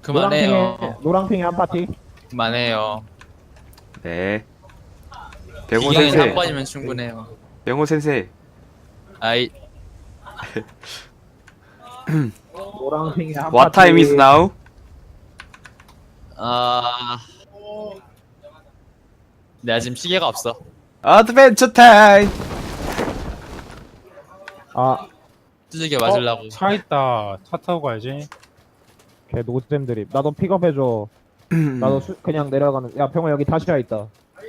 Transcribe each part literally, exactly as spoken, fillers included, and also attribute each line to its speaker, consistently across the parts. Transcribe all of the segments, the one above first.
Speaker 1: 그만해요.
Speaker 2: 노랑핑에 노랑핑에 한 파티.
Speaker 1: 그만해요.
Speaker 3: 네. 병호
Speaker 1: 기경이
Speaker 3: 센세.
Speaker 1: 한 번이면 충분해요.
Speaker 3: 병호 센세.
Speaker 1: 아이,
Speaker 2: 노랑핑에 한
Speaker 3: What
Speaker 2: 파티.
Speaker 3: time is now?
Speaker 1: 아, 내가 지금 시계가 없어.
Speaker 3: Adventure time.
Speaker 2: 아,
Speaker 1: 두들겨 맞으려고.
Speaker 4: 차 있다. 차 타고 가야지.
Speaker 2: 걔 노잼 드립. 나도 픽업해줘. 나도 수, 그냥 내려가는. 야, 병호 여기 다시야 있다.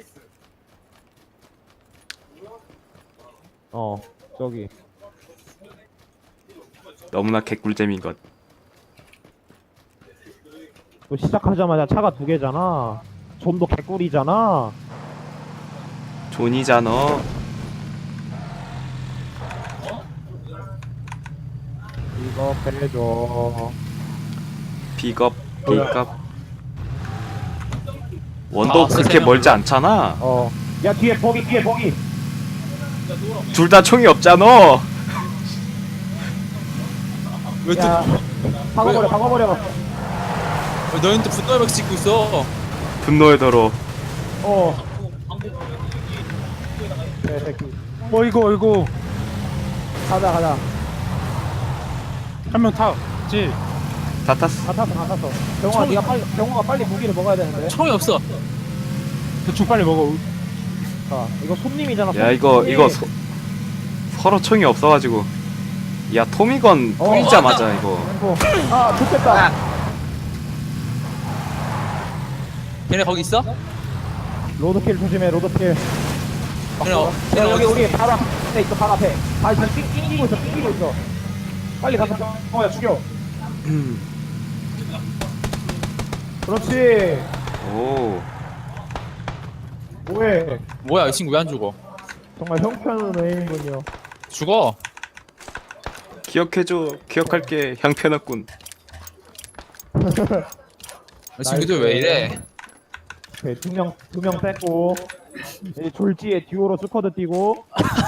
Speaker 2: 어, 저기.
Speaker 3: 너무나 개꿀잼인 것.
Speaker 2: 또 시작하자마자 차가 두 개잖아. 좀도 개꿀이잖아.
Speaker 3: 존이잖아.
Speaker 2: 이거 빼줘.
Speaker 3: 픽업, 픽업. 원도
Speaker 1: 아,
Speaker 3: 그렇게
Speaker 1: 세상에.
Speaker 3: 멀지 않잖아.
Speaker 2: 어. 야, 뒤에 버기, 뒤에 버기.
Speaker 3: 둘 다 총이 없잖아.
Speaker 1: 왜 또,
Speaker 2: 야, 박아버려, 박아버려.
Speaker 1: 왜 너희는 또 분노의 벽 찍고 있어?
Speaker 3: 분노의 도로.
Speaker 2: 어. 네, 새끼.
Speaker 4: 어이구 어이구.
Speaker 2: 가자, 가자.
Speaker 4: 한 명 타지.
Speaker 3: 다 탔어.
Speaker 2: 다 탔어, 다 탔어. 병호아, 네가 빨리, 병호가 빨리 무기를 먹어야 되는데.
Speaker 1: 총이 없어.
Speaker 4: 대충 빨리 먹어.
Speaker 2: 자, 이거 손님이잖아.
Speaker 3: 야 이거
Speaker 2: 손님.
Speaker 3: 이거 서, 서로 총이 없어가지고. 야 토미건
Speaker 2: 어.
Speaker 3: 뿌리자마자 이거.
Speaker 2: 어. 아, 좋겠다.
Speaker 1: 걔네 거기 있어?
Speaker 2: 로드킬 조심해, 로드킬.
Speaker 1: 걔네, 어,
Speaker 2: 야,
Speaker 1: 걔네
Speaker 2: 여기,
Speaker 1: 어디
Speaker 2: 우리 바로 앞에 있어, 바로 앞에. 아, 지금 띵, 띵기고 있어, 띵기고 있어. 빨리 가서, 병호야, 죽여. 그렇지.
Speaker 3: 오.
Speaker 2: 뭐해.
Speaker 1: 뭐야, 이 친구 왜 안 죽어?
Speaker 2: 정말 형편은 애인군요.
Speaker 1: 죽어.
Speaker 3: 기억해줘. 기억할게. 형편없군.
Speaker 1: 이 친구들 왜 이래?
Speaker 2: 오케이, 두 명, 두 명 뺐고. 이제 졸지에 듀오로 스쿼드 뛰고.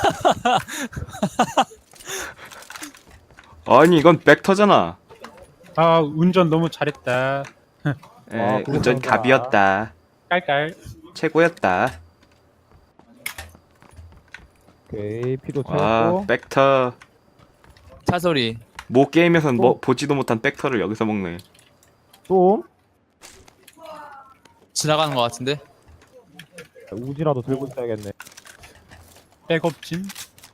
Speaker 3: 아니 이건 벡터잖아.
Speaker 4: 아 운전 너무 잘했다.
Speaker 3: 에,
Speaker 2: 아,
Speaker 3: 운전
Speaker 2: 그렇구나.
Speaker 3: 갑이었다.
Speaker 4: 깔깔.
Speaker 3: 최고였다.
Speaker 2: 오케이, 피도
Speaker 3: 와
Speaker 2: 채웠고.
Speaker 3: 벡터.
Speaker 1: 차 소리.
Speaker 3: 모 게임에선 뭐
Speaker 2: 또?
Speaker 3: 보지도 못한 벡터를 여기서 먹네.
Speaker 2: 또
Speaker 1: 지나가는 것 같은데?
Speaker 2: 우지라도 들고 있어야겠네.
Speaker 4: 백업진.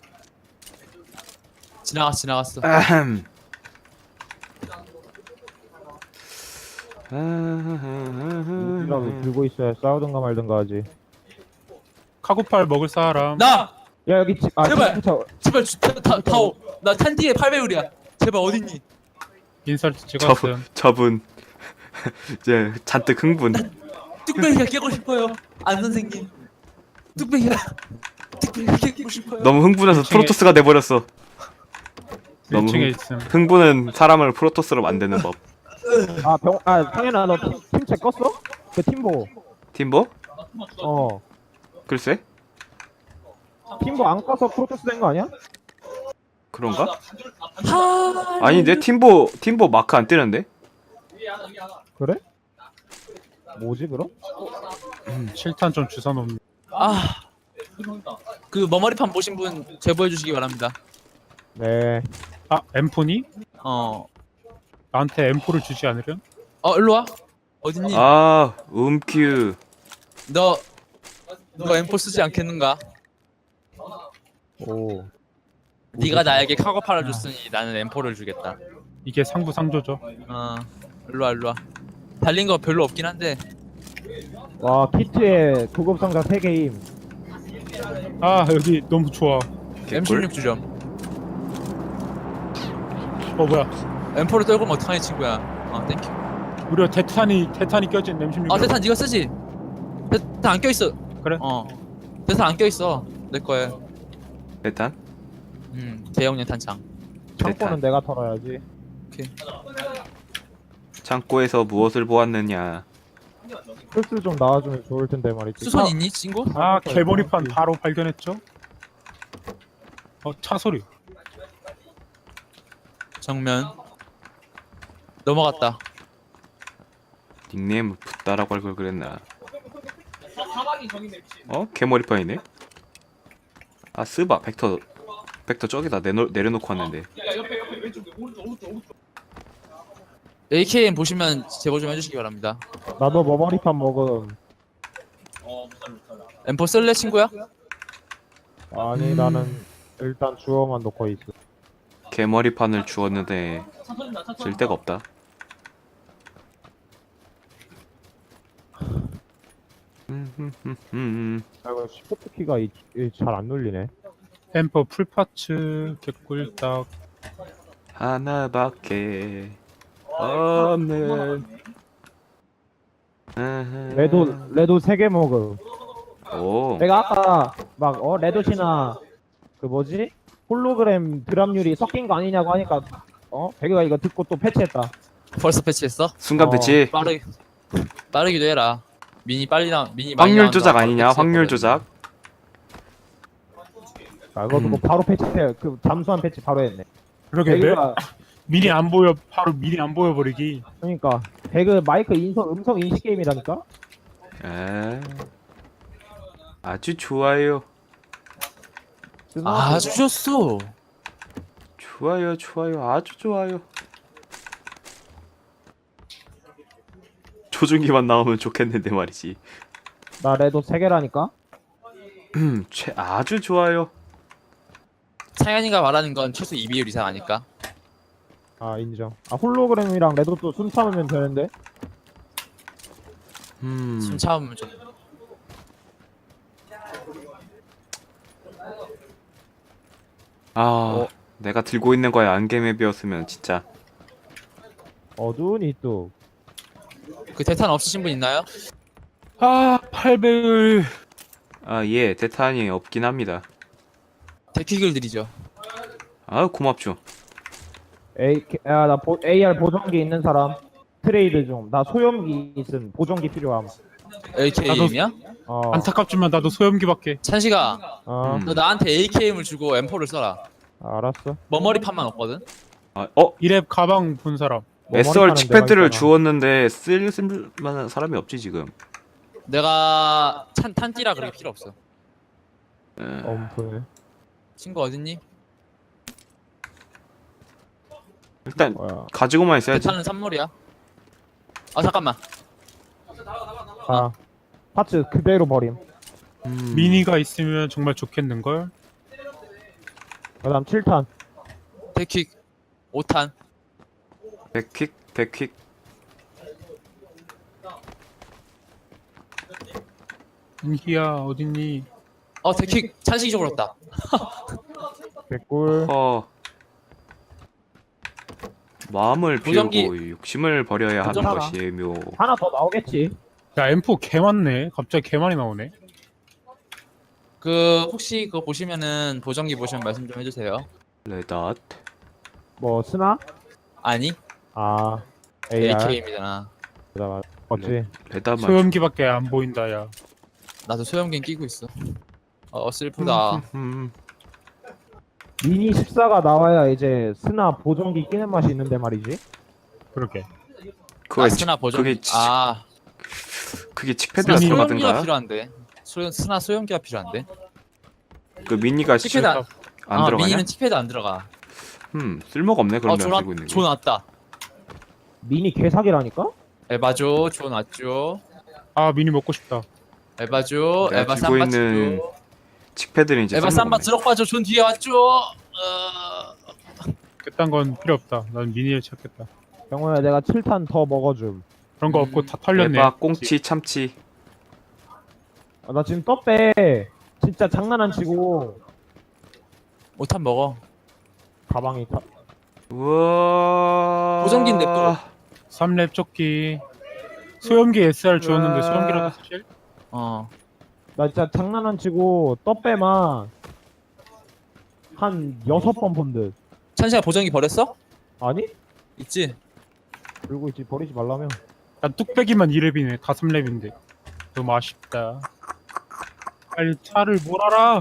Speaker 1: 지나갔어, 지나갔어.
Speaker 3: 아흠.
Speaker 2: 우지라도 들고 있어야 싸우든가 말든가 하지.
Speaker 4: 카고팔 먹을 사람.
Speaker 1: 나!
Speaker 2: 야, 여기 집, 아,
Speaker 1: 제발!
Speaker 2: 집, 저,
Speaker 1: 제발, 주, 타, 타, 타오. 나 탄티에 팔 배율이야. 제발, 어딨니?
Speaker 4: 인설트
Speaker 3: 저분
Speaker 4: 찍었음.
Speaker 3: 저분 이제 잔뜩 흥분.
Speaker 1: 뚝배기가 깨고 싶어요. 안 선생님. 뚝배기가, 뚝배기가 깨고 싶어요.
Speaker 3: 너무 흥분해서
Speaker 4: 일층에-
Speaker 3: 프로토스가 돼버렸어. 너무
Speaker 4: 일 층에
Speaker 3: 흥,
Speaker 4: 있음.
Speaker 3: 흥분은 사람을 프로토스로 만드는 법.
Speaker 2: 아, 병, 아, 상현아, 너 팀- 팀책 껐어? 그 팀보.
Speaker 3: 팀보?
Speaker 2: 어.
Speaker 3: 글쎄?
Speaker 2: 팀보 안 꺼서 프로토스 된 거 아니야?
Speaker 3: 그런가?
Speaker 1: 하...
Speaker 3: 아니 내 팀보 팀보 마크 안 뜨는데?
Speaker 2: 그래? 뭐지, 그럼?
Speaker 4: 칠탄 좀 주워놓음.
Speaker 1: 아. 그 머머리판 보신 분 제보해 주시기 바랍니다.
Speaker 2: 네.
Speaker 4: 아 엠포니?
Speaker 1: 어.
Speaker 4: 나한테 엠포를 주지 않으련?
Speaker 1: 어, 일로 와. 어딨니?
Speaker 3: 아 음큐.
Speaker 1: 너, 너 엠포 쓰지 않겠는가?
Speaker 2: 오.
Speaker 1: 네가 나에게 카고팔을 줬으니 나는 엠포를 주겠다.
Speaker 4: 이게 상부상조죠.
Speaker 1: 어, 일로 와, 일로 와. 달린 거 별로 없긴 한데.
Speaker 2: 와, 키트에 구급상자 세 개임.
Speaker 4: 아 여기 너무 좋아.
Speaker 1: 엠 십육 주점.
Speaker 4: 어 뭐야?
Speaker 1: 엠포를 떨고 면 어떡하니 친구야. 어, 땡큐.
Speaker 4: 무려 대탄이 대탄이 껴진 엠십육.
Speaker 1: 아, 대탄 네가 쓰지? 대탄 안 껴있어.
Speaker 4: 그래?
Speaker 1: 어. 대탄 안 껴있어. 내 거에.
Speaker 3: 일단
Speaker 1: 음, 대형량 탄창.
Speaker 2: 창고는
Speaker 3: 대탄.
Speaker 2: 내가 털어야지.
Speaker 1: 오케이.
Speaker 3: 창고에서 무엇을 보았느냐.
Speaker 2: 플스 좀 나와주면 좋을 텐데 말이지.
Speaker 1: 수선
Speaker 2: 차-
Speaker 1: 있니, 친구?
Speaker 4: 아 개머리판 바로 발견했죠. 어 차 소리.
Speaker 1: 정면. 넘어갔다.
Speaker 3: 닉네임 붓다라고 할 걸 그랬나? 어? 개머리판이네? 아 쓰바 벡터 벡터 저기다 내놓, 내려놓고 왔는데.
Speaker 1: 에이케이엠 보시면 제보 좀 해주시기 바랍니다.
Speaker 2: 나도 머머리판 먹음.
Speaker 1: 엠포 쓸래 친구야?
Speaker 2: 아니 나는 일단 주워만 놓고 있어.
Speaker 3: 개머리판을 주었는데 쓸 데가 없다. 음,
Speaker 2: 아 이거 시프트 키가 잘 안 눌리네.
Speaker 4: 엠퍼 풀파츠 개꿀딱.
Speaker 3: 하나밖에 없는
Speaker 2: 레도 레도 세 개 먹음.
Speaker 3: 오
Speaker 2: 내가 아까 막 어 레도시나 그 뭐지 홀로그램 드랍률이 섞인 거 아니냐고 하니까 어 배그가 이거 듣고 또 패치했다.
Speaker 1: 벌써 패치했어?
Speaker 3: 순간
Speaker 2: 어.
Speaker 3: 배치
Speaker 1: 빠르 빠르기도 해라. 미니 빨리 나 미니 많이
Speaker 3: 확률
Speaker 1: 나온다.
Speaker 3: 조작
Speaker 1: 바로
Speaker 3: 아니냐?
Speaker 1: 패치했거든.
Speaker 3: 확률 조작.
Speaker 2: 아 이거 듣고 바로 패치해. 그 잠수한 패치 바로 했네.
Speaker 4: 그러겠네.
Speaker 2: 배그가
Speaker 4: 미리 안 보여 바로 미리 안 보여버리기.
Speaker 2: 그러니까 배그 마이크 인성 음성 인식 게임이라니까.
Speaker 3: 에 아주 좋아요.
Speaker 1: 아, 아주 좋소.
Speaker 3: 좋아요, 좋아요, 아주 좋아요. 조준기만 나오면 좋겠는데 말이지.
Speaker 2: 나 레도 세 개라니까.
Speaker 3: 음, 최 아주 좋아요.
Speaker 1: 창현이가 말하는 건 최소 이 비율 이상 아닐까?
Speaker 2: 아 인정. 아 홀로그램이랑 레도도 숨 참으면 되는데.
Speaker 3: 음,
Speaker 1: 숨 참으면 좀.
Speaker 3: 아,
Speaker 1: 어.
Speaker 3: 내가 들고 있는 거에 안개맵이었으면 진짜.
Speaker 2: 어두운 이뚝.
Speaker 1: 그 대탄 없으신 분 있나요?
Speaker 4: 아 팔배율.
Speaker 3: 아, 예, 대탄이 없긴 합니다.
Speaker 1: 데킥을 드리죠.
Speaker 3: 아, 고맙죠.
Speaker 2: A 야나 에이알 보정기 있는 사람 트레이드 좀. 나 소염기 있음. 보정기 필요함.
Speaker 1: 에이케이엠이야?
Speaker 2: 어.
Speaker 4: 안타깝지만 나도 소염기밖에.
Speaker 1: 찬식아,
Speaker 2: 어.
Speaker 3: 음.
Speaker 1: 너 나한테 에이케이엠을 주고 엠포를 써라.
Speaker 2: 알았어.
Speaker 1: 머머리판만 없거든?
Speaker 3: 아, 어,
Speaker 4: 이랩 가방 본 사람.
Speaker 2: 뭐
Speaker 3: 에스알
Speaker 2: 머리 파는
Speaker 3: 칙패드를
Speaker 2: 데가 있잖아.
Speaker 3: 주었는데 쓸, 쓸 만한 사람이 없지 지금.
Speaker 1: 내가 찬, 탄띠라 그렇게 필요 없어.
Speaker 3: 에,
Speaker 2: 엄프.
Speaker 1: 친구 어딨니?
Speaker 3: 일단
Speaker 2: 뭐야.
Speaker 3: 가지고만 있어야지.
Speaker 1: 대탄은 산물이야. 아 잠깐만.
Speaker 2: 아. 파츠 그대로 버림.
Speaker 3: 음,
Speaker 4: 미니가 있으면 정말 좋겠는걸.
Speaker 2: 그다음 칠 탄.
Speaker 1: 데킥 오 탄.
Speaker 3: 백퀵, 백퀵.
Speaker 4: 인기야 어딨니?
Speaker 1: 어 데킥 찬식이 줘버렸다.
Speaker 2: 개꿀.
Speaker 3: 어. 마음을
Speaker 1: 보정기-
Speaker 3: 비우고 욕심을 버려야 하는
Speaker 1: 보정하라.
Speaker 3: 것이 묘.
Speaker 2: 하나 더 나오겠지.
Speaker 4: 야 엠포 개 많네. 갑자기 개 많이 나오네.
Speaker 1: 그 혹시 그거 보시면은 보정기 보시면 말씀 좀 해주세요.
Speaker 3: 레닷.
Speaker 2: 뭐 스나?
Speaker 1: 아니
Speaker 2: 아. 에이알.
Speaker 1: 에이케이엠이잖아.
Speaker 2: 맞아 맞아. 맞지.
Speaker 3: 레닷만.
Speaker 4: 소염기밖에 안 보인다 야.
Speaker 1: 나도 소형견 끼고 있어. 어 슬프다.
Speaker 3: 음,
Speaker 2: 미니 십사가 나와야 이제 스나 보정기 끼는 맛이 있는데 말이지.
Speaker 4: 그러게.
Speaker 3: 그거
Speaker 1: 아, 스나 보정.
Speaker 3: 그게 치,
Speaker 1: 아
Speaker 3: 그게 칙패드가
Speaker 1: 스나 소형기가
Speaker 3: 들어가든가.
Speaker 1: 필요한데. 소 스나 소형기가 필요한데.
Speaker 3: 그 미니가
Speaker 1: 칙패드
Speaker 3: 안,
Speaker 1: 안,
Speaker 3: 안
Speaker 1: 아,
Speaker 3: 들어가냐?
Speaker 1: 미니는 칙패드 안 들어가.
Speaker 3: 음 쓸모가 없네 그러면
Speaker 1: 어,
Speaker 3: 들고 있는
Speaker 1: 조
Speaker 3: 게.
Speaker 1: 나왔다.
Speaker 2: 미니 개사기라니까?
Speaker 1: 에바죠, 조 나왔죠.
Speaker 4: 아 미니 먹고 싶다.
Speaker 1: 에바죠,
Speaker 3: 내가
Speaker 1: 에바
Speaker 3: 들고
Speaker 1: 삼바
Speaker 3: 있는
Speaker 1: 죠
Speaker 3: 칙패드는 이제
Speaker 1: 에바
Speaker 3: 쓸모가
Speaker 1: 삼바
Speaker 3: 없네.
Speaker 1: 드럭바죠. 존 뒤에 왔죠. 어...
Speaker 4: 그딴 건 필요 없다. 난 미니를 찾겠다.
Speaker 2: 병호야 내가 칠 탄 더 먹어줌.
Speaker 4: 그런 거
Speaker 1: 음.
Speaker 4: 없고 다 털렸네.
Speaker 3: 에바 꽁치 참치.
Speaker 2: 아, 나 지금 떡배 진짜 장난 안 치고
Speaker 1: 오탄 먹어.
Speaker 2: 가방이 타...
Speaker 3: 우와.
Speaker 1: 보정기인데 또.
Speaker 4: 삼 렙 조끼. 소염기 에스알 주었는데
Speaker 3: 아.
Speaker 4: 소염기라도 사실?
Speaker 1: 어.
Speaker 2: 나 진짜 장난 안 치고 떡배만 한 여섯 번 본 듯.
Speaker 1: 찬시가 보정기 버렸어?
Speaker 2: 아니?
Speaker 1: 있지.
Speaker 2: 들고 있지 버리지 말라며.
Speaker 4: 난 뚝배기만 이 렙이네. 다 삼 렙인데. 너무 아쉽다. 빨리 차를 몰아라.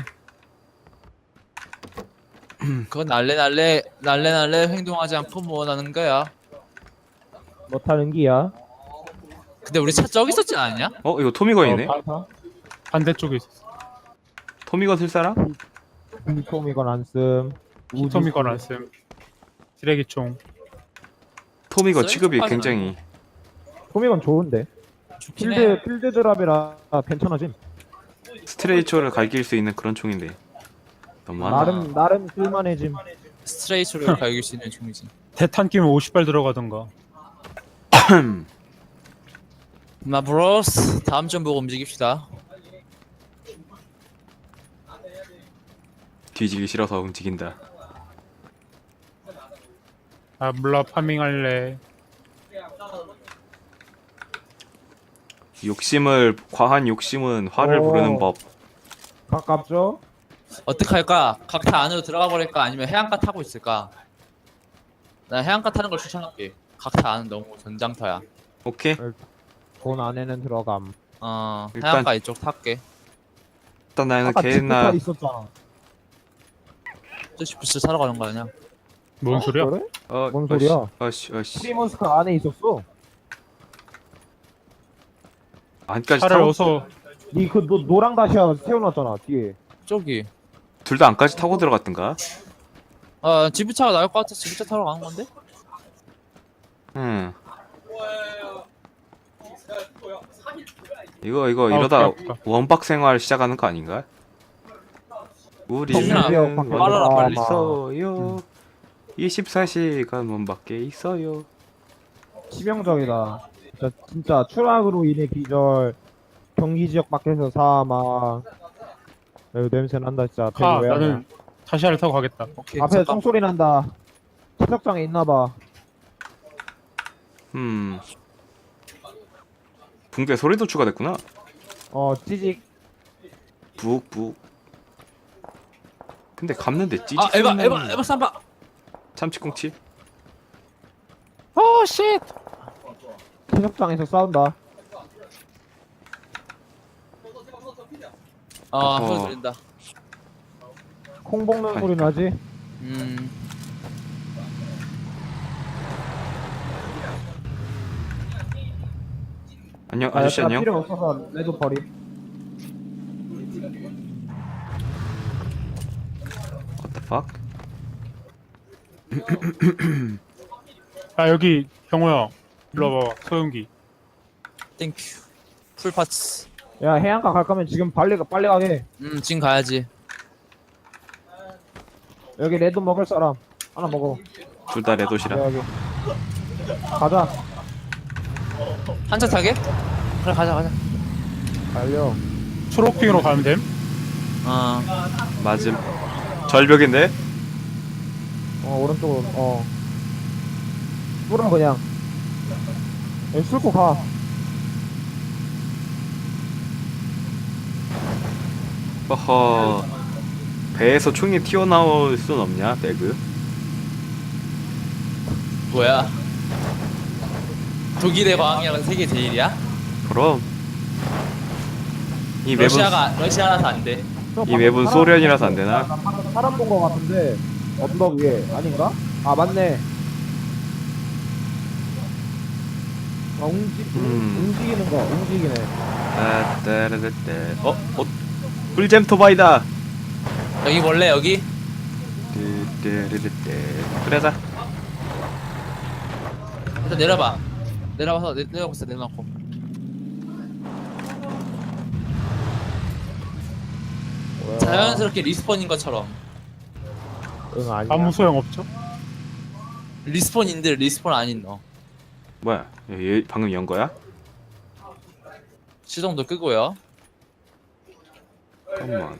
Speaker 1: 그건 날래 날래 날래 날래 행동하지 않고 뭐 하는 거야?
Speaker 2: 뭐 타는 기야?
Speaker 1: 근데 우리 차 저기 있었지 않았냐?
Speaker 3: 어 이거 토미건이네.
Speaker 4: 어, 바- 반대쪽에 있었어.
Speaker 3: 토미건 쓸 사람?
Speaker 2: 히토미건 안씀.
Speaker 4: 히토미건 안씀. 쓰레기총.
Speaker 3: 토미건
Speaker 1: 쓸
Speaker 3: 취급이
Speaker 1: 사람은
Speaker 3: 굉장히
Speaker 2: 토미건 좋은데.
Speaker 1: 좋긴 해.
Speaker 2: 필드 필드 드랍이라 괜찮아짐.
Speaker 3: 스트레이처를 갈길 수 있는 그런 총인데 너무 많아.
Speaker 2: 나름 나름 쓸만해짐.
Speaker 1: 스트레이트로 갈길 수 있는 총이지.
Speaker 4: 대탄 끼면 오십 발 들어가던가.
Speaker 1: 마 브로스 다음 점 보고 움직입시다.
Speaker 3: 뒤지기 싫어서 움직인다.
Speaker 4: 아 몰라 파밍할래.
Speaker 3: 욕심을 과한 욕심은 화를
Speaker 2: 오.
Speaker 3: 부르는 법.
Speaker 2: 가깝죠?
Speaker 1: 어떻게 할까? 각타 안으로 들어가 버릴까? 아니면 해안가 타고 있을까? 나 해안가 타는 걸 추천할게. 각타 안은 너무 전장터야.
Speaker 3: 오케이.
Speaker 2: 돈 안에는 들어감.
Speaker 1: 어
Speaker 3: 일단-
Speaker 1: 해안가 이쪽 탈게.
Speaker 3: 일단 나는
Speaker 2: 아까
Speaker 3: 개나
Speaker 2: 지프카 있었잖아.
Speaker 1: 저씨 부스 사러 가는 거 아니야?
Speaker 4: 뭔 소리야?
Speaker 2: 그래?
Speaker 3: 어,
Speaker 2: 뭔 소리야?
Speaker 3: 어씨 어씨
Speaker 2: 프리몬스카 안에 있었어.
Speaker 3: 안까지
Speaker 4: 차를
Speaker 3: 타고
Speaker 4: 어서
Speaker 2: 니그 노랑 다시아 세워놨잖아 뒤에.
Speaker 1: 저기.
Speaker 3: 둘 다 안까지 타고 들어갔던가?
Speaker 1: 아 지브차가 나을 것 같아. 지브차 타러 가는 건데?
Speaker 3: 응. 이거 이거
Speaker 4: 아,
Speaker 3: 이러다
Speaker 4: 오케이, 오케이.
Speaker 3: 원박 생활 시작하는 거 아닌가?
Speaker 1: 정신아,
Speaker 3: 우리는
Speaker 1: 빨라라, 빨리.
Speaker 3: 있어요. 이십사 시간 원밖에 있어요.
Speaker 2: 치명적이다. 진짜 진짜 추락으로 인해 기절. 경기 지역 밖에서 사망. 여기 냄새 난다 진짜.
Speaker 4: 가.
Speaker 2: 왜
Speaker 4: 나는
Speaker 2: 하냐.
Speaker 4: 다시아를 타고 가겠다.
Speaker 1: 오케이.
Speaker 2: 앞에
Speaker 1: 잠깐.
Speaker 2: 총소리 난다. 채석장에 있나봐.
Speaker 3: 음. 붕대 소리도 추가됐구나.
Speaker 2: 어 찌직.
Speaker 3: 북북. 근데 감는데 찌직.
Speaker 1: 아 에바
Speaker 3: 소리는
Speaker 1: 에바 에바 삼바.
Speaker 3: 참치꽁치.
Speaker 1: 오 쉣.
Speaker 2: 채석장에서 싸운다.
Speaker 1: 아
Speaker 3: 어허.
Speaker 1: 소리 들린다.
Speaker 2: 콩 볶는 소리 나지?
Speaker 1: 음.
Speaker 3: 안녕
Speaker 2: 아,
Speaker 3: 아저씨
Speaker 2: 약간
Speaker 3: 안녕.
Speaker 2: 필요 없어서 레드 버리.
Speaker 3: What the fuck?
Speaker 4: 아 여기 경호야. 일로 와봐. 소용기.
Speaker 1: 땡큐. 풀 파츠.
Speaker 2: 야 해안가 갈 거면 지금 빨리 가- 빨리 가게.
Speaker 1: 음 지금 가야지.
Speaker 2: 여기 레드 먹을 사람 하나 먹어.
Speaker 3: 둘 다 레도시라.
Speaker 2: 여기. 가자.
Speaker 1: 한 차 타게? 그래 가자 가자.
Speaker 2: 달려.
Speaker 4: 초록핑으로 가면 됨.
Speaker 1: 어.
Speaker 3: 맞음. 절벽인데?
Speaker 2: 어 오른쪽으로. 어. 뚫어 그냥. 여기 뚫고 가.
Speaker 3: 허허. 배에서 총이 튀어나올 순 없냐, 배그?
Speaker 1: 뭐야? 독일의 과학이랑 세계 제일이야?
Speaker 3: 그럼. 이 맵은
Speaker 1: 러시아가 러시아라서 안 돼.
Speaker 3: 이 맵은 소련이라서 안 되나?
Speaker 2: 나 방금 사람 본 거 같은데 언덕 위에 아닌가? 아 맞네. 아 움직
Speaker 3: 음.
Speaker 2: 움직이는 거 움직이네.
Speaker 3: 아, 따라따따. 어? 어? 꿀잼 토바이다.
Speaker 1: 여기 원래 여기
Speaker 3: 띠띠리리띠. 그래자.
Speaker 1: 일단 내려봐. 내려와서 내, 내려고 있어 내려놓고.
Speaker 2: 뭐야.
Speaker 1: 자연스럽게 리스폰인 것처럼.
Speaker 2: 응 아니야.
Speaker 4: 아무 소용 없죠.
Speaker 1: 리스폰인들 리스폰 아닌 너.
Speaker 3: 뭐야? 얘, 얘 방금 연 거야?
Speaker 1: 시동도 끄고요.
Speaker 3: 잠깐만.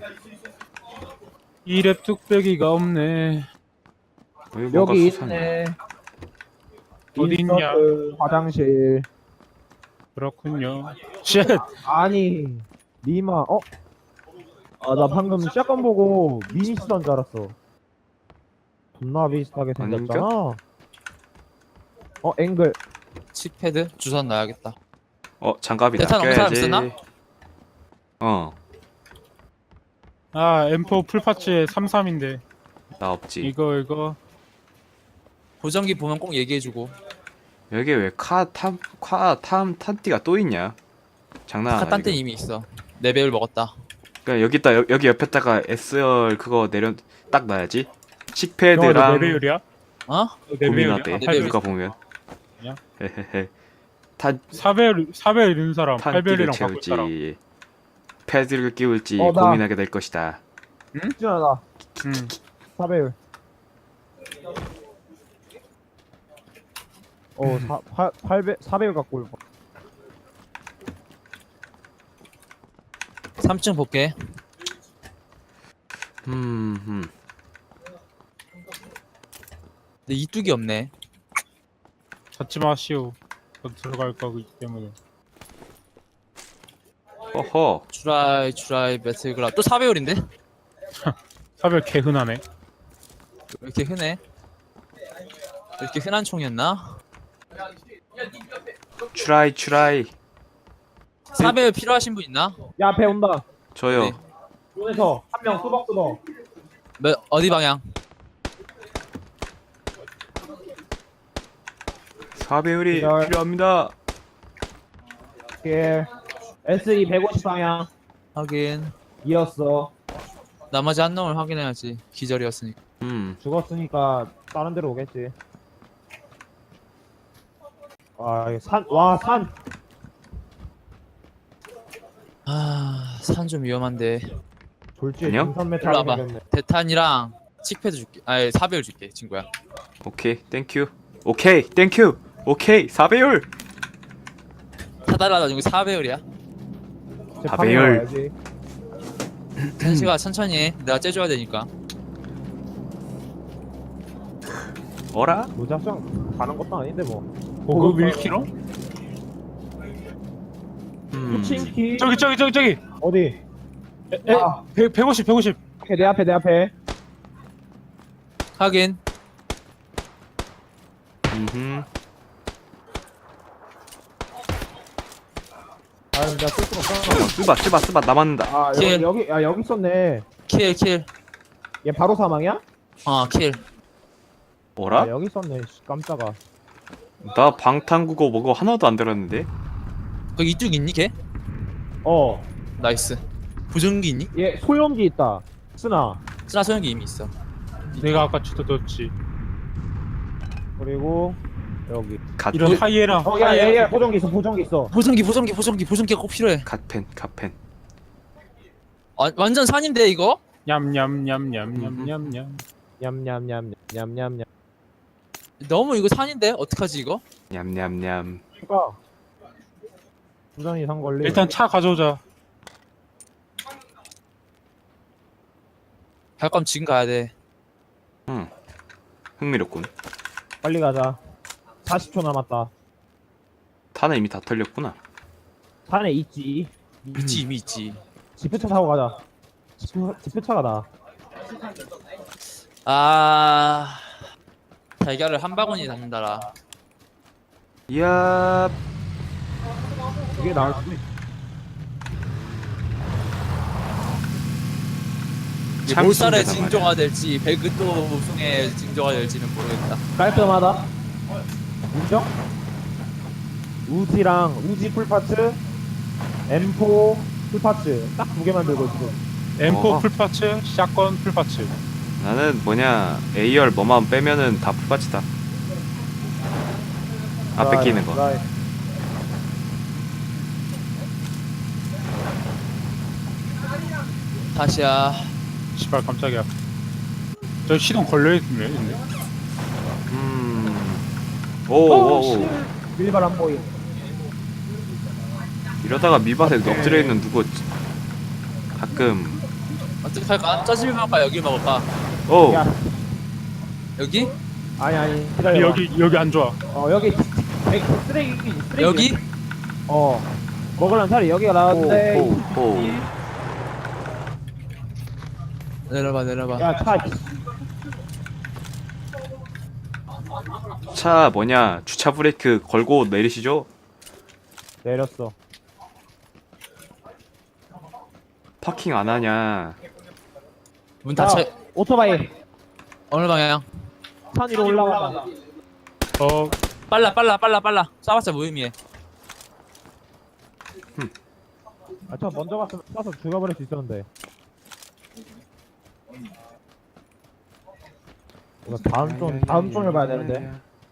Speaker 4: 이랩 뚝배기가 없네.
Speaker 3: 여기 뭔가
Speaker 2: 여기
Speaker 3: 수상해.
Speaker 2: 있네.
Speaker 4: 어디 있냐?
Speaker 2: 인서트, 화장실.
Speaker 4: 그렇군요. 쉣.
Speaker 2: 아니 니마 어? 아 나 방금 샷건 보고 미니 쓰던 줄 알았어. 존나 비슷하게 생겼잖아. 어 앵글.
Speaker 1: 칙패드 주선 놔야겠다.
Speaker 3: 어, 장갑이
Speaker 1: 대탄 없는 사람
Speaker 3: 낚여야지.
Speaker 1: 쓰나?
Speaker 3: 어,
Speaker 4: 아 엠포 풀파츠에 삼십삼인데
Speaker 3: 나 없지.
Speaker 4: 이거 이거
Speaker 1: 보정기 보면 꼭 얘기해주고.
Speaker 3: 여기 왜카탐카탐 탄띠가 또 있냐? 장난 아니야.
Speaker 1: 카탄 때 이미 있어. 네 배율 먹었다.
Speaker 3: 그냥 여기다 여, 여기 옆에다가 에스알 그거 내려 딱 놔야지.
Speaker 4: 너
Speaker 3: 칙패드랑
Speaker 4: 네 배율이야?
Speaker 1: 어?
Speaker 4: 너 네 배율이야?
Speaker 3: 고민하대.
Speaker 1: 네 배율.
Speaker 3: 누가 보면.
Speaker 4: 아니야?
Speaker 3: 헤헤헤. 탄
Speaker 4: 사 배율 사 배율 있는 사람 팔
Speaker 3: 탄띠를
Speaker 4: 배율이랑 바꿀 사람.
Speaker 3: 채울지 패드를 끼울지
Speaker 2: 어, 나-
Speaker 3: 고민하게 될 것이다.
Speaker 2: 준아 나
Speaker 4: 응.
Speaker 2: 사 배율. 어, 사, 팔, 팔 배, 사 배율 갖고 올 거.
Speaker 1: 삼 층 볼게.
Speaker 3: 음, 음.
Speaker 1: 근데 이뚝이 없네.
Speaker 4: 찾지 마시오. 저 들어갈 거기 때문에.
Speaker 3: 허허.
Speaker 1: 주라이 주라이 배틀그라 또 사 배율인데? 왜
Speaker 4: 사 배율 개 흔하네.
Speaker 1: 이렇게 흔해? 이렇게 흔한 총이었나?
Speaker 3: 추라이 추라이.
Speaker 1: 사 배율 필요하신 분 있나?
Speaker 2: 야, 배 온다.
Speaker 3: 저요.
Speaker 1: 네.
Speaker 2: 손에서 한 명 뚜벅뚜벅.
Speaker 1: 몇, 어디 방향?
Speaker 3: 사배율이
Speaker 2: 기다려.
Speaker 3: 필요합니다.
Speaker 2: 예. 에스이 백오십 방향.
Speaker 1: 확인.
Speaker 2: 이었어.
Speaker 1: 나머지 한 놈을 확인해야지. 기절이었으니까.
Speaker 3: 음.
Speaker 2: 죽었으니까 다른 데로 오겠지. 아, 이게 산, 와, 산.
Speaker 1: 아, 산 좀 위험한데.
Speaker 2: 졸지에
Speaker 3: 안녕?
Speaker 2: 등산 메탈
Speaker 1: 일로 와봐.
Speaker 2: 생겼네.
Speaker 1: 대탄이랑 칙패드 줄게. 아니, 사 배율 줄게, 친구야.
Speaker 3: 오케이. 땡큐. 오케이. 땡큐. 오케이. 사배율.
Speaker 1: 타달라다 지금 사 배율이야.
Speaker 2: 제
Speaker 3: 아,
Speaker 2: 방에
Speaker 3: 배열.
Speaker 2: 와야지.
Speaker 1: 현시가 천천히 해. 내가 째줘야 되니까.
Speaker 3: 어라?
Speaker 2: 무작정 가는 것도 아닌데 뭐.
Speaker 4: 고급 일 킬로?
Speaker 3: 음.
Speaker 2: 푸친키.
Speaker 4: 저기 저기 저기 저기.
Speaker 2: 어디?
Speaker 4: 에,
Speaker 2: 아,
Speaker 4: 백 백오십 백오십.
Speaker 2: 오케이, 내 앞에, 내 앞에.
Speaker 1: 확인.
Speaker 3: 음흠.
Speaker 2: 아, 내가 쓸 수가 없잖아.
Speaker 3: 쓰바 쓰바 쓰바 남았는다.
Speaker 2: 아,
Speaker 1: 킬.
Speaker 2: 여기, 여기, 야, 여기 있었네.
Speaker 1: 킬, 킬.
Speaker 2: 얘 바로 사망이야?
Speaker 1: 어, 킬.
Speaker 3: 어라?
Speaker 2: 아, 여기 있었네. 씨, 깜짝아.
Speaker 3: 나 방탄국어 뭐고 하나도 안 들었는데.
Speaker 1: 거기 이뚝 있니, 걔?
Speaker 2: 어,
Speaker 1: 나이스. 보정기 있니?
Speaker 2: 얘 소염기 있다. 쓰나.
Speaker 1: 쓰나 소형기 이미 있어.
Speaker 4: 내가 아까 주워뒀지.
Speaker 2: 그리고 여기.
Speaker 3: 갓
Speaker 4: 이런 하이에나.
Speaker 2: 어, 야, 야, 야, 보정기 있어, 보정기 있어.
Speaker 1: 보정기, 보정기, 보정기, 보정기가 꼭 필요해.
Speaker 3: 갓펜 갓펜.
Speaker 1: 아, 완전 산인데, 이거?
Speaker 4: 냠냠냠냠냠냠냠.
Speaker 2: 냠냠냠, 냠냠냠.
Speaker 1: 너무 이거 산인데? 어떡하지, 이거?
Speaker 3: 냠냠냠.
Speaker 2: 추가. 부전이 산 걸리.
Speaker 4: 일단 차 가져오자.
Speaker 1: 갈 거면 지금 가야 돼.
Speaker 3: 응. 흥미롭군.
Speaker 2: 빨리 가자. 사십 초 남았다.
Speaker 3: 탄은 이미 다 털렸구나.
Speaker 2: 산에 있지.
Speaker 1: 있지, 이미 있지.
Speaker 2: 지프차 타고 가자. 지프, 지프차가 나.
Speaker 1: 아... 달걀을 한 바구니 담는다라.
Speaker 3: 이야.
Speaker 2: 이게 나을 수도 있어.
Speaker 1: 이게
Speaker 3: 참
Speaker 1: 몰살의
Speaker 3: 신기하단
Speaker 1: 징조가 될지 배그또 우승의 징조가 될지는 모르겠다.
Speaker 2: 깔끔하다. 인정? 우지랑 우지 풀파츠, 엠포 풀파츠 딱 두 개만 들고 있어.
Speaker 4: 엠포
Speaker 3: 어.
Speaker 4: 풀파츠, 샷건 풀파츠.
Speaker 3: 나는 뭐냐 에이알 뭐만 빼면은 다 풀밭이다. 앞에 끼는 거.
Speaker 2: 라이.
Speaker 1: 다시야.
Speaker 4: 씨발 깜짝이야. 저 시동 걸려있네. 있네.
Speaker 3: 음. 오오오.
Speaker 2: 밀발 안 보임.
Speaker 3: 이러다가 밀밭에 엎드려 있는 누구 가끔.
Speaker 1: 어떻게 할까? 저집을 먹을까? 여기 먹을까?
Speaker 3: 오.
Speaker 2: 야,
Speaker 1: 여기?
Speaker 2: 아니 아니 기다려.
Speaker 4: 여기 여기 안 좋아.
Speaker 2: 어 여기 백- 쓰레기 쓰레기.
Speaker 1: 여기?
Speaker 2: 어 먹으려면 차라리 여기가 나왔는데.
Speaker 3: 오오오.
Speaker 1: 내려봐, 내려봐.
Speaker 2: 야 차.
Speaker 3: 차 뭐냐 주차 브레이크 걸고 내리시죠.
Speaker 2: 내렸어.
Speaker 3: 파킹 안 하냐.
Speaker 1: 문 닫혀.
Speaker 2: 야, 오토바이
Speaker 1: 어느 방향?
Speaker 2: 산 위로 올라가다.
Speaker 4: 어
Speaker 1: 빨라 빨라 빨라 빨라. 쏴봤자 무의미해.
Speaker 2: 아, 저 먼저 갔으면 쏴서 죽여버릴 수 있었는데. 이거 다음 종, 다음 종을 봐야 되는데.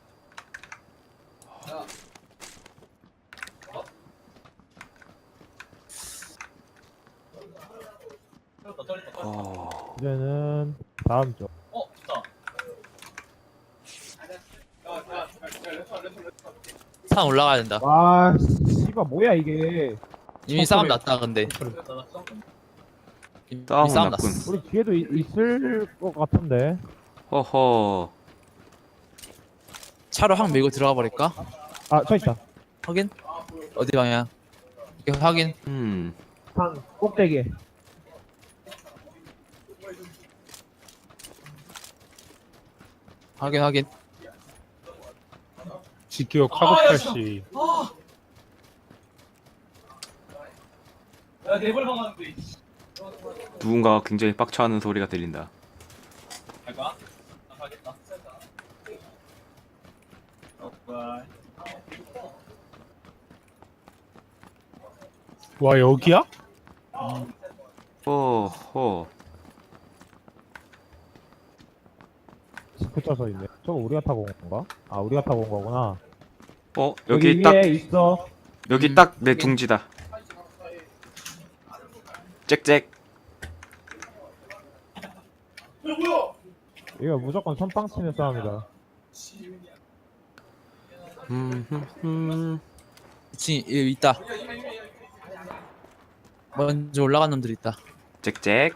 Speaker 3: 어...
Speaker 2: 이제는 다음 종.
Speaker 1: 산 올라가야 된다.
Speaker 2: 와, 씨발, 뭐야, 이게.
Speaker 1: 이미 싸움 났다 근데. 이미
Speaker 3: 싸움은
Speaker 1: 싸움
Speaker 3: 났군.
Speaker 1: 났어.
Speaker 2: 우리 뒤에도 이- 있을 것 같은데.
Speaker 3: 허허.
Speaker 1: 차로 확 밀고 들어가 버릴까?
Speaker 2: 아, 저 있다.
Speaker 1: 확인? 어디 방향? 이렇게 확인.
Speaker 3: 음.
Speaker 2: 산 꼭대기에.
Speaker 1: 확인 확인.
Speaker 4: 지키오 카고팔씨.
Speaker 3: 누군가가 굉장히 빡쳐하는 소리가 들린다.
Speaker 4: 와 여기야?
Speaker 3: 허허.
Speaker 2: 붙여서 있네. 저거 우리가 타고 온 건가? 아, 우리가 타고 온 거구나.
Speaker 3: 어 여기
Speaker 2: 위에
Speaker 3: 딱
Speaker 2: 있어.
Speaker 3: 여기
Speaker 1: 음,
Speaker 3: 딱 내
Speaker 1: 여기.
Speaker 3: 둥지다. 짹짹.
Speaker 2: 이거 무조건 선빵 치는 싸움이다.
Speaker 3: 음.
Speaker 1: 이 여기 있다. 먼저 올라간 놈들 있다.
Speaker 3: 짹짹.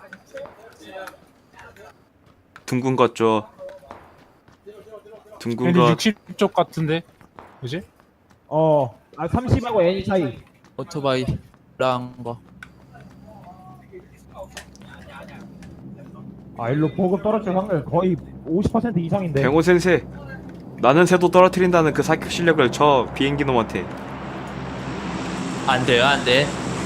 Speaker 3: 둥근 것 줘. 둥근
Speaker 4: 근데
Speaker 3: 것.
Speaker 4: 육십 쪽 같은데? 그지?
Speaker 2: 어, 아, 삼십하고 N이 차이.
Speaker 1: 오토바이 올라간 거.
Speaker 2: 아, 일로 보급 떨어질 확률 거의 오십 퍼센트 이상인데.
Speaker 3: 뱅호 센세. 나는 새도 떨어뜨린다는 그 사격 실력을 저 비행기 놈한테.
Speaker 1: 안 돼요 안 돼.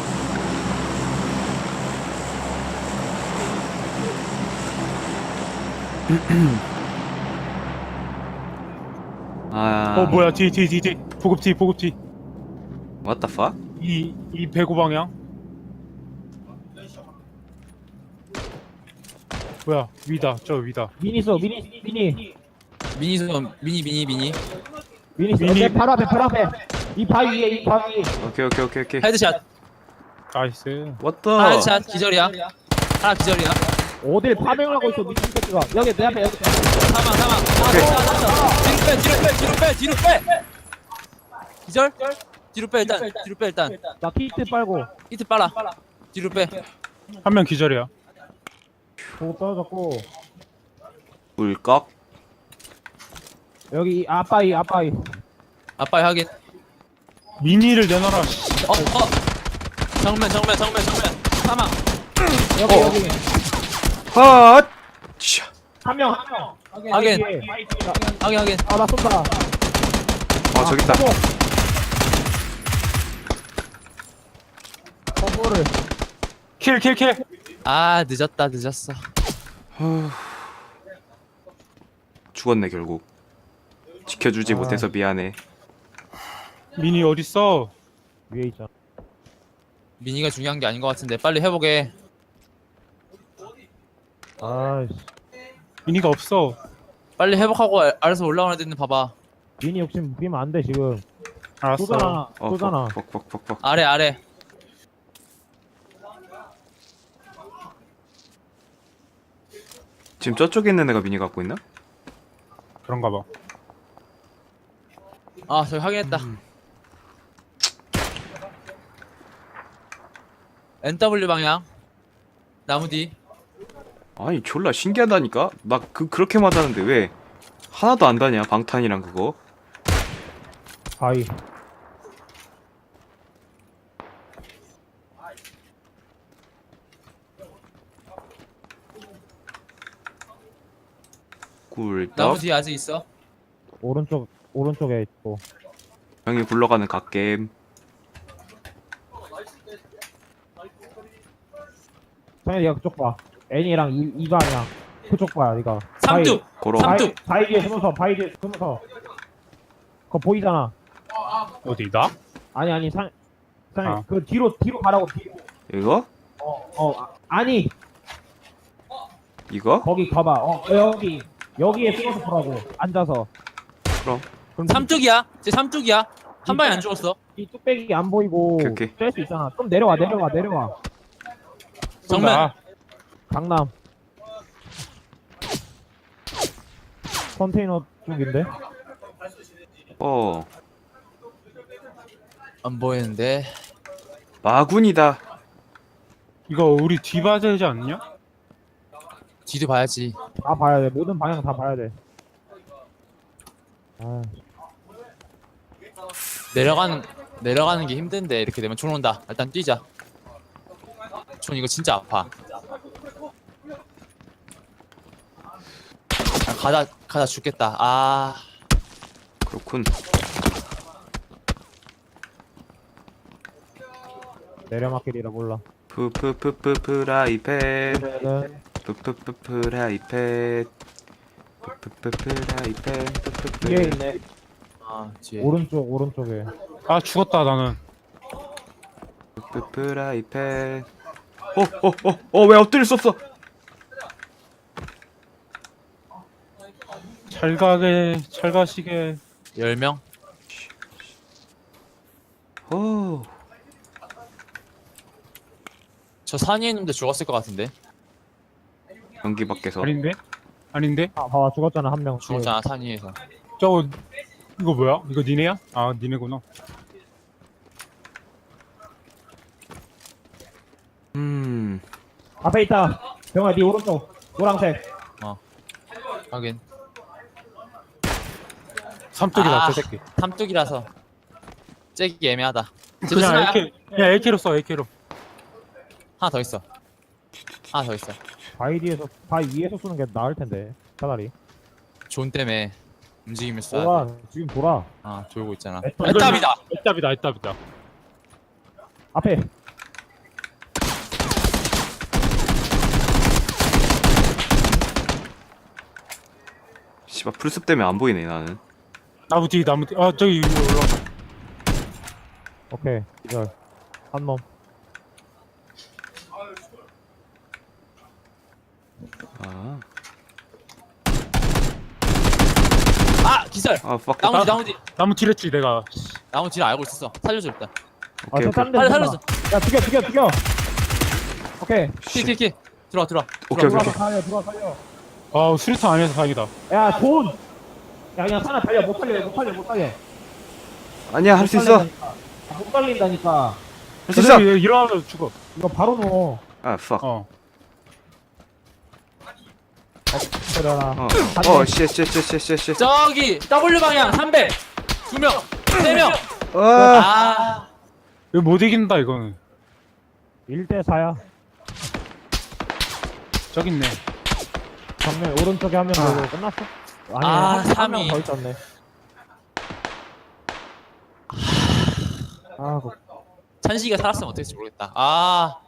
Speaker 3: 아.
Speaker 4: 어 뭐야 뒤 뒤 뒤 뒤 보급 뒤 보급 뒤.
Speaker 3: What the fuck?
Speaker 4: 이, 이 배구 방향. 뭐야 위다 저 위다.
Speaker 2: 미니 쏘, 미니, 미니.
Speaker 1: 미니 소 미니 미니 미니.
Speaker 2: 미니 쏘.
Speaker 4: 미니.
Speaker 2: 내 바로 앞에, 바로 앞에. 이 바위 위에, 이 바위 위에.
Speaker 3: 오케이 오케이 오케이 오케이.
Speaker 1: 헤드샷.
Speaker 4: 나이스.
Speaker 3: What
Speaker 1: 하나
Speaker 3: the?
Speaker 1: 헤드샷 기절이야. 하나 기절이야.
Speaker 2: 어딜 파밍을 하고 있어, 미친 새끼가. 여기, 내 앞에, 여기.
Speaker 1: 사망 사망. 하나 뒤로 빼 뒤로 빼 뒤로 빼 뒤로 빼. 기절? 뒤로 빼 일단 뒤로 빼 일단.
Speaker 2: 나 키트 빨고.
Speaker 1: 히트 빨아. 뒤로 빼.
Speaker 4: 한 명 기절이야.
Speaker 2: 보급 떨어졌고.
Speaker 3: 물꺽.
Speaker 2: 여기, 이 아빠이, 아빠이.
Speaker 1: 아빠의 확인.
Speaker 4: 미니를 내놔라. 씨.
Speaker 1: 어 어. 정면 정면 정면 정면. 사망.
Speaker 2: 여기,
Speaker 3: 어.
Speaker 2: 여기.
Speaker 3: 헛. 차.
Speaker 2: 한 명, 한 명.
Speaker 1: 확인.
Speaker 2: 뒤에.
Speaker 1: 확인 확인.
Speaker 2: 아, 나 쏜다.
Speaker 3: 아 저기 있다.
Speaker 2: 선물을.
Speaker 4: 킬 킬 킬.
Speaker 1: 아 늦었다 늦었어.
Speaker 3: 후. 죽었네 결국. 지켜주지
Speaker 2: 아.
Speaker 3: 못해서 미안해.
Speaker 4: 미니 어딨어?
Speaker 2: 위에 있잖아.
Speaker 1: 미니가 중요한 게 아닌 것 같은데 빨리 해보게.
Speaker 2: 아이씨.
Speaker 4: 미니가 없어.
Speaker 1: 빨리 회복하고 알- 알아서 올라오는 애들 봐봐.
Speaker 2: 미니 욕심 부리면 안 돼, 지금.
Speaker 4: 알았어.
Speaker 2: 쏘잖아,
Speaker 3: 어,
Speaker 2: 쏘잖아.
Speaker 3: 뻑뻑뻑뻑뻑.
Speaker 1: 아래 아래.
Speaker 3: 지금 저쪽에 있는 애가 미니 갖고 있나?
Speaker 4: 그런가 봐.
Speaker 1: 아 저기 확인했다.
Speaker 3: 음.
Speaker 1: 엔더블유 방향. 나무 뒤.
Speaker 3: 아니 졸라 신기하다니까? 나 그 그렇게 맞았는데 왜 하나도 안 가냐 방탄이랑 그거?
Speaker 2: 바위.
Speaker 1: 나무
Speaker 3: 꿀떡.
Speaker 1: 뒤에 아직 있어.
Speaker 2: 오른쪽, 오른쪽에 있고.
Speaker 3: 형이 굴러가는 갓겜.
Speaker 2: 정현이 가 그쪽 봐. N이랑 이, 이 방향. 그쪽 봐야, 니가.
Speaker 1: 삼뚝.
Speaker 3: 고로.
Speaker 1: 삼뚝.
Speaker 2: 바위 뒤에 숨어서, 바위 뒤에 숨어서. 그거 보이잖아.
Speaker 4: 어디 나?
Speaker 2: 아니 아니 상, 상,
Speaker 4: 아.
Speaker 2: 그 뒤로 뒤로 가라고 뒤로.
Speaker 3: 이거?
Speaker 2: 어, 어 아, 아니
Speaker 3: 이거?
Speaker 2: 거기 가봐. 어 여기 여기에 숨어서 보라고 앉아서.
Speaker 3: 그럼.
Speaker 2: 그럼
Speaker 1: 삼뚝이야. 제 삼뚝이야. 한 방에 안 죽었어.
Speaker 2: 이 뚝배기 안 보이고
Speaker 3: 오케이, 오케이.
Speaker 2: 뗄 수 있잖아. 좀 내려와 내려와 내려와.
Speaker 1: 정면.
Speaker 4: 나.
Speaker 2: 강남. 컨테이너 쪽인데.
Speaker 3: 어.
Speaker 1: 안 보이는데.
Speaker 3: 마군이다.
Speaker 4: 이거 우리 뒤봐야 되지 않냐?
Speaker 1: 뒤도 봐야지.
Speaker 2: 다 봐야 돼. 모든 방향 다 봐야 돼. 아,
Speaker 1: 내려가는 내려가는 게 힘든데 이렇게 되면 총 온다. 일단 뛰자. 총 이거 진짜 아파. 아, 가다 가다 죽겠다. 아
Speaker 3: 그렇군.
Speaker 2: 내려막길이라 몰라.
Speaker 3: 푸푸푸푸 프라이팬.
Speaker 2: 그러면은
Speaker 3: 푸푸푸 프라이팬. 푸푸푸 프라이팬. 푸푸푸.
Speaker 2: 뒤에 있네.
Speaker 1: 아, 뒤에.
Speaker 2: 오른쪽 오른쪽에.
Speaker 4: 아 죽었다 나는.
Speaker 3: 푸푸 프라이팬. 어어어어왜 엎드릴 수 없어?
Speaker 4: 잘 가게 잘 가시게.
Speaker 1: 열 명?
Speaker 3: 오.
Speaker 1: 저 산위에 있는데 죽었을 것 같은데.
Speaker 3: 연기 밖에서.
Speaker 4: 아닌데? 아닌데?
Speaker 2: 아 봐봐 죽었잖아 한 명.
Speaker 1: 죽었잖아 산위에서.
Speaker 4: 저거 이거 뭐야? 이거 니네야? 아 니네구나.
Speaker 3: 음.
Speaker 2: 앞에 있다. 병아 네 오른쪽 노란색.
Speaker 1: 확인.
Speaker 4: 삼뚝이다
Speaker 1: 아.
Speaker 4: 저 새끼.
Speaker 1: 삼뚝이라서 째기 애매하다. 집에
Speaker 4: 그냥
Speaker 1: 스나야?
Speaker 4: 에이케이 그냥 에이케이로 써 에이케이로.
Speaker 1: 하나 더 있어. 하나 더 있어.
Speaker 2: 바위 뒤에서 바위 위에서 쏘는 게 나을 텐데. 차라리.
Speaker 1: 존 때문에 움직임을 쏴.
Speaker 2: 와 지금 돌아.
Speaker 1: 아 돌고 있잖아.
Speaker 2: 애답.
Speaker 1: 애답이다.
Speaker 4: 애답이다 애답이다.
Speaker 2: 앞에.
Speaker 3: 씨발 풀숲 때문에 안 보이네 나는.
Speaker 4: 나무 뒤 나무 뒤. 아 저기 위로 올라.
Speaker 2: 오케이 기절. 한 놈.
Speaker 3: 아.
Speaker 1: 아 기절.
Speaker 3: 아 fuck.
Speaker 1: 나무 뒤 나무 뒤
Speaker 4: 나무 뒤랬지 내가.
Speaker 1: 나무 뒤를 알고 있었어. 살려줘 일단.
Speaker 3: 오케이
Speaker 2: 아저
Speaker 3: 오케이.
Speaker 2: 다른 데
Speaker 1: 빨리
Speaker 2: 쏜다.
Speaker 1: 살려줘.
Speaker 2: 야 죽여 죽여 죽여. 오케이.
Speaker 1: 키키키 들어와 들어와.
Speaker 3: 오케이 오케이
Speaker 2: 들어와서
Speaker 3: 오케이.
Speaker 2: 살려 들어와 살려.
Speaker 4: 아 수류탄 아니어서 다행이다.
Speaker 2: 야 존. 야 그냥 하나 달려 못 살려 못 살려 못 살려.
Speaker 3: 아니야 할 수 있어.
Speaker 2: 못 살린다니까.
Speaker 3: 할 수 있어.
Speaker 4: 그래, 일어나면 죽어.
Speaker 2: 이거 바로 넣어.
Speaker 3: 아 fuck.
Speaker 4: 어.
Speaker 2: 때려라.
Speaker 3: 어. 어 씨씨씨씨씨.
Speaker 1: 저기 W 방향 삼백. 두 명. 세 명.
Speaker 3: 아.
Speaker 1: 아.
Speaker 4: 이거 못 이긴다 이거는.
Speaker 2: 일 대 사야.
Speaker 4: 저기 있네.
Speaker 2: 정면 오른쪽에 한 명 되고 끝났어? 아니
Speaker 1: 아,
Speaker 2: 한
Speaker 1: 삼
Speaker 2: 명
Speaker 1: 위.
Speaker 2: 더 있었네. 아, 그
Speaker 1: 찬식이가 살았으면 어떨지 모르겠다. 아